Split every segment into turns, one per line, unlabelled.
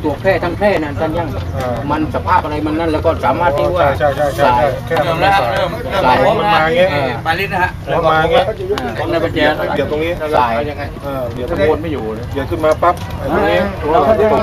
ตัวแพร่ทั้งแพร่นั่นท่านยังมันสภาพอะไรมันนั่นแล้วก็สามารถที่ว่าสาย
แค่มันไม่สายมันมาเงี้ย
ปาลิสนะฮะ
มาเงี้ย
ของในปัจเจก
เดี๋ยวตรงนี้
สาย
เดี๋ยวตะโกนไม่อยู่เลยเดี๋ยวขึ้นมาปั๊บตรงนี้เราตกนี้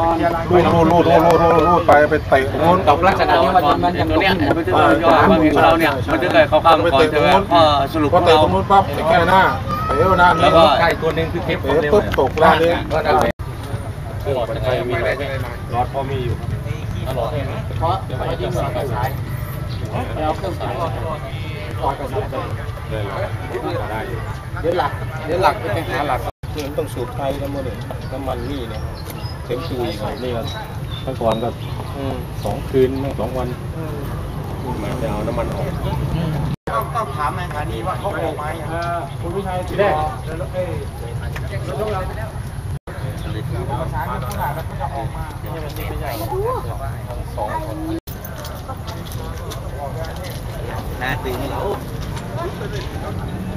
รูดไปเตะโน้น
ตกลักษณะที่ว่ามันอย่างนี้มันจะเราเนี่ยมันจะเกิดเขาข้ามไปเตะตรงโน้นสรุป
พอเตะตรงโน้นปั๊บแค่หน้าเตะหน้า
แล้วก็ไก่ตัวนึงคือเทป
ปุ๊บตกล่างนี้หลอดไฟมีอะไรหลอดพอมีอยู่หลอด
เพราะยิ่งหลอดกระสายเราเครื่องสายหลอดกระสาย
ได้
เดี๋ยวหลักไปหาหลัก
นี่มันต้องสูบไทยแล้วมั้งเนี่ยน้ำมันนี่เนี่ยเต็มตุยนี่ก็ตั้งก่อนก็2 คืน2 วันมาจะเอาน้ำมันออก
ต้องถามนายฐานีว่าเขาออกมาอย่าง
คุณวิชัยที่แรก
ประสานกับผู้หลักแล้วก็จะออกมาน่าตื่น